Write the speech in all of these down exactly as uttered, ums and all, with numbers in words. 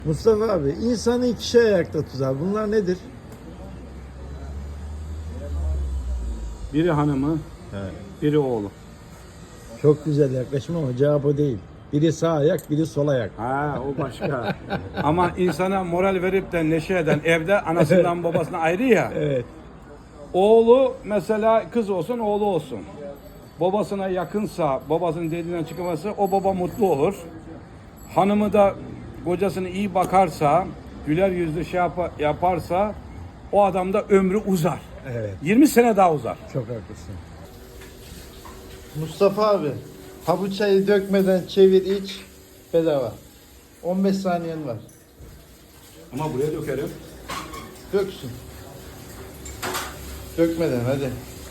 Mustafa abi, insanı iki şey ayakta tutar. Bunlar nedir? Biri hanımı, Evet. biri oğlu. Çok güzel yaklaşım ama cevap o değil. Biri sağ ayak, biri sol ayak. Ha, o başka. Ama insana moral verip de neşe eden evde anasından babasına ayrı ya. Evet. Oğlu mesela kız olsun oğlu olsun. Babasına yakınsa, babasının dediğinden çıkması o baba mutlu olur. Hanımı da kocasına iyi bakarsa, güler yüzlü şey yap- yaparsa o adam da ömrü uzar. Evet. yirmi sene daha uzar. Çok haklısın. Mustafa abi, ha bu çayı dökmeden çevir iç, bedava. on beş saniyen var. Ama buraya dökerim. Döksün. Dökmeden hadi.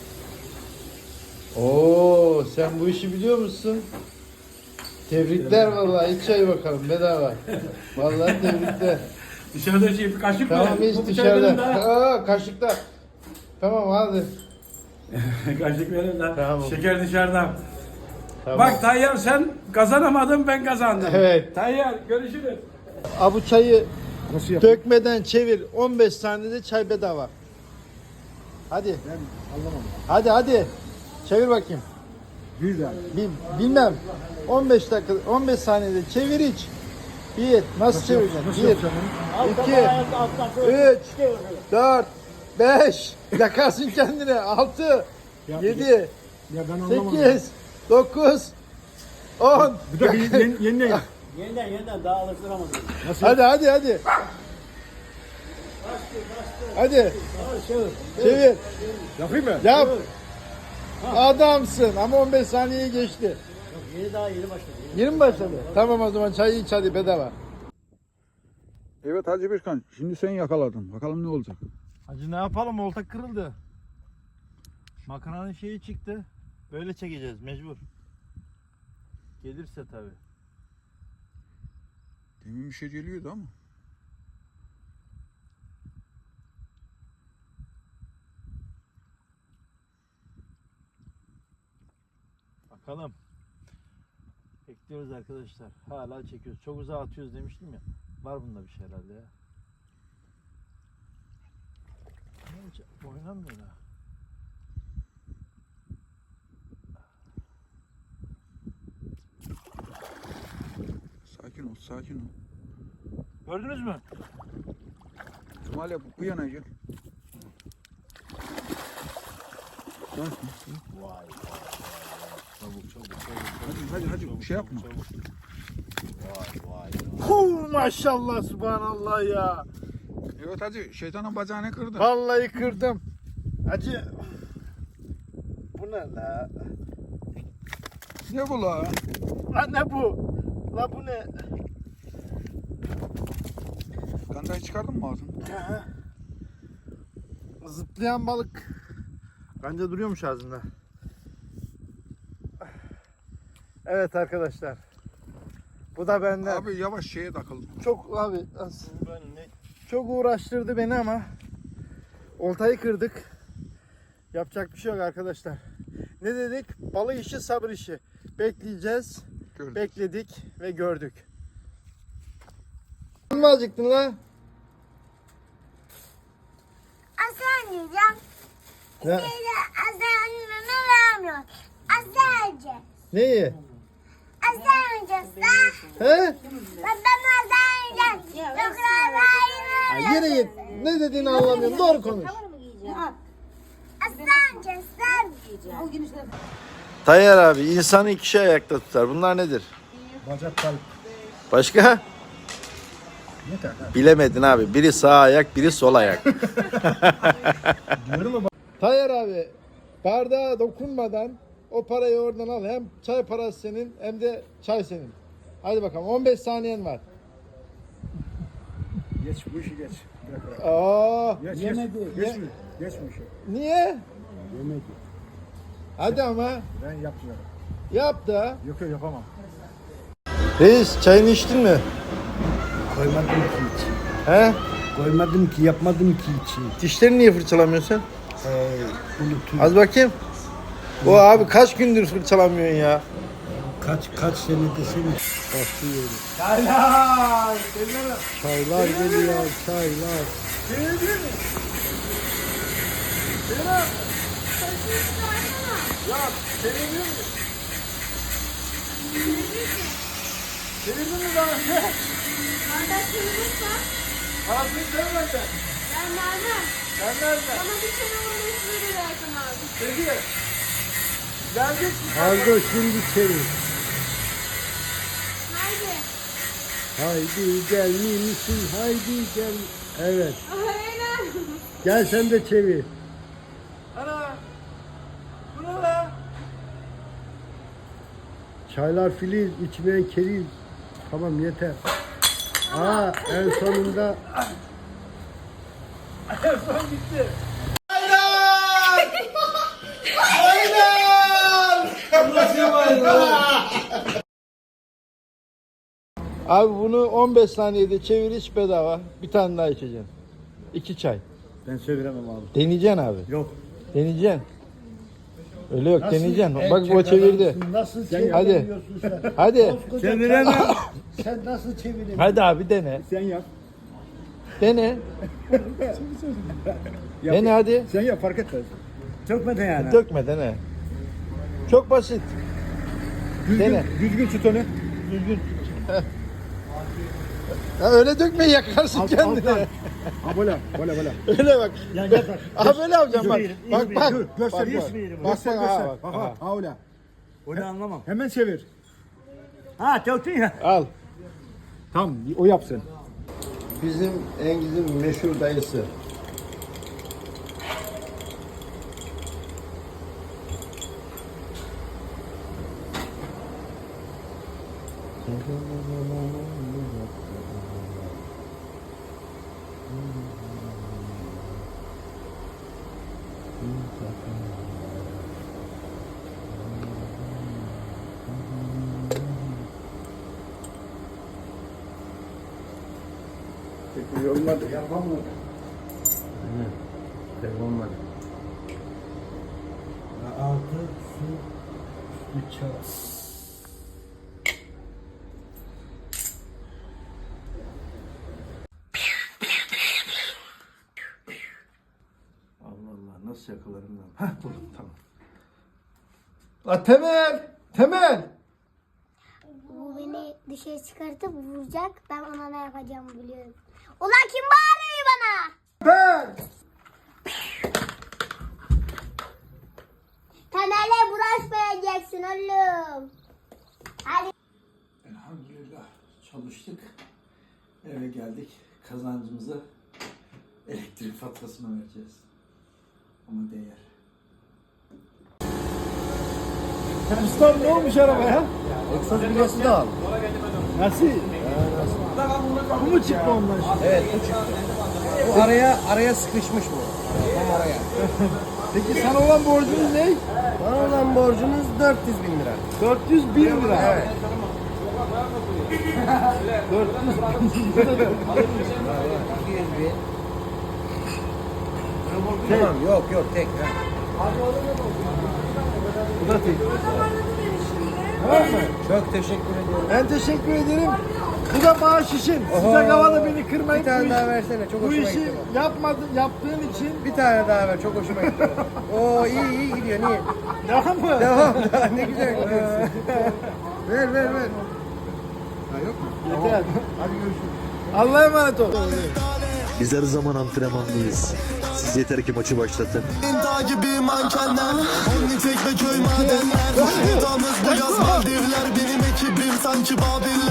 Oo, sen bu işi biliyor musun? Tebrikler vallahi. İç çay bakalım bedava. Vallahi tebrikler. Dışarıda şey bir kaşık Tamam mı? iç Bu bıçağı verin dışarıda. de. Aa, kaşıkta. Tamam hadi. Kaşık verin de. Tamam. Şeker dışarıda. Tamam. Bak Tayyar sen kazanamadın ben kazandım. Evet. Tayyar görüşürüz. Aa, bu çayı Nasıl yapayım? dökmeden çevir. on beş saniyede çay bedava. Hadi. Ben anlamam. Hadi hadi. Çevir bakayım. Güzel. Bil, bilmem. on beş dakika, on beş saniyede çevir iç. Bir, nasıl, çevireceksin? Bir, iki, üç, dört, beş, yakarsın kendine. Altı, yedi, Ya ben anlamadım. sekiz, dokuz, on. Bir de bir yeni, yeniden yap. Yeniden yeniden daha alıştıramadım. Nasıl? Hadi hadi hadi. Hadi. Çevir. Yapayım mı? Yap. Adamsın ama on beş saniyeyi geçti. Yok yeni daha yeni başladı. Yeni mi başladı? Tamam o zaman çayı iç hadi bedava. Evet Hacı Birkan, şimdi sen yakaladın. Bakalım ne olacak? Hacı ne yapalım, olta kırıldı. Makinanın şeyi çıktı. Böyle çekeceğiz mecbur. Gelirse tabi. Demin bir şey geliyordu ama. Bakalım. Bekliyoruz arkadaşlar. Hala çekiyoruz. Çok uzağa atıyoruz demiştim ya. Var bunda bir şey herhalde ya. Hiç oynamıyor ha. Sakin ol, sakin ol. Gördünüz mü? Kemal bu, bu yana gel. Dön. Vay vay vay. Çabuk çabuk çabuk. Hadi hadi hadi bir şey yapma. Vay vay. Huu, maşallah subhanallah ya. Evet Hacı, şeytanın bacağını kırdı. Vallahi kırdım. Hacı. Bu ne la? Ne bu la? La ne bu? La bu ne? Gandayı çıkardın mı ağzını? Zıplayan balık. Bence duruyormuş ağzında. Evet arkadaşlar. Bu da benden. Abi yavaş şeye takıldı. Çok abi az- çok uğraştırdı beni ama oltayı kırdık. Yapacak bir şey yok arkadaşlar. Ne dedik? Balık işi sabır işi. Bekleyeceğiz. Gördüm. Bekledik ve gördük. Ne acıktın lan? Aslan yiyeceğim. Ne? Şeyde aslan meme vermiyor. Aslan yiyeceğim. Neyi? Aslan yiyeceğiz lan. He? Ben aslan yiyeceğim. Yok aslan Ha, yere git. Ne dediğini anlamıyorum. Doğru konuş. Aslan yiyeceğiz lan. Tayyar abi, insanı iki şey ayakta tutar. Bunlar nedir? Bacak kalp. Başka? Yeter. Bilemedin abi. Biri sağ ayak, biri sol ayak. Diyorum mu? Tayyar abi, bardağa dokunmadan o parayı oradan al. Hem çay parası senin hem de çay senin. Hadi bakalım, on beş saniyen var. Geç bu işi geç. Bırak, bırak. Aa, Geç, yemedi. Geç, Ye- geç, mi? Geç bu işi. Niye? Yemedi. Hadi ama. Ben yapmıyorum. Yap da. Yok yok yapamam. Reis, çayını içtin mi? Koymadım ki hiç. He? Koymadım ki, yapmadım ki hiç. Dişlerini niye fırçalamıyorsun? Ee, unutuyorum. Az bakayım. O abi kaç gündür fırçalamıyorsun ya? Kaç kaç sene desene. Başlıyoruz. Çaylar. Çaylar. Çaylar geliyor, çaylar. Çevirebilir mi? Çevir. Ya çevirebilir mi? Çevirdin mi daha önce? Bardak çevirirsen Parasını sen benden. ben vermem. Sen nereden? Bana bir kere on beş lira versen abi. Peki. Geleceksin. Kargo şimdi çevir. Haydi. Haydi gel misin? Haydi gel. Evet. Aynen. Gel sen de çevir. Ana. Bu ne lan? Çaylar filiz, içmeyen keriz. Tamam yeter. Aa en sonunda En son gitti. Aynen! Aynen! Abi bunu on beş saniyede çevir iç bedava. Bir tane daha içeceksin. İki çay. ben çeviremem abi. Deneyeceksin abi. Yok. Deneyeceksin. Öyle yok deneyeceksin. Bak erkek o çevirdi. adamsın, Nasıl Hadi. çeviremiyorsun sen? Hadi. Koskoca Çeviremem. çay- Sen nasıl çeviremiyorsun? Hadi abi dene. Sen yap. Dene. Dene hadi. Sen yap fark etmez. Çökmeden yani. Dökme dene. Çok basit. Dene. Düzgün tut onu. Ya öyle dökme yakarsın Alt- kendini. alttan. Ha böyle, böyle, böyle. Öyle bak. Ya gel bak. Aha böyle yapacağım bak. İzmir, Bak İzmir. bak. Dur, göster, Bak, bak. İzmir'i. Bak Göster, bak. göster. Ha, bak. Ha, Aha. ha, öyle. Onu anlamam. Hemen çevir. Ha çöktün ya. Al. Tamam, o yapsın. Bizim Engiz'in meşhur dayısı. Yorulmadı, yapmam mı? Olmadı. Altı su üstü çay. Allah Allah nasıl yakalarım ben? Hah buldum tamam. La Temel! Temel! Bu beni dışarı çıkartıp vuracak. Ben ona ne yapacağımı biliyorum. Ulan kim bağırıyor bana? Ben! Temele bulaşmayacaksın oğlum. Hadi. Elhamdülillah çalıştık. Eve geldik. Kazancımızı elektrik faturasına vereceğiz. Ama değer. Ustam ne olmuş arabaya? Egzoz bilyası da al. Nasıl? Bu mu çıktı ondan şimdi? Evet bu çıktı. Bu araya araya sıkışmış bu. Tam araya. Peki sana olan borcunuz ne? Bana olan borcunuz dört yüz bin lira. dört yüz bin lira. Evet. iki yüz bin. Tamam yok yok tek. Ha. Bu da tek. Tamam mı? Çok teşekkür ediyorum. Ben teşekkür ederim. Bu da maaş işin. Sıcak havada beni kırmayın. Bir tane Bu daha işi- versene çok Bu hoşuma işi gitti. yapmadın, yaptığın için Bir tane daha ver çok hoşuma gitti. Oo iyi iyi gidiyor niye? devam mı? Devam daha ne güzel gidiyorsun. ver ver ver. Yeter. Hadi görüşürüz. Allah'a emanet ol. Biz her zaman antrenmandayız. Siz yeter ki maçı başlatın. Dağ gibi mankenler Only tek ve köy madenler Edamız beyaz Maldivler Benim ekibim sanki Babiller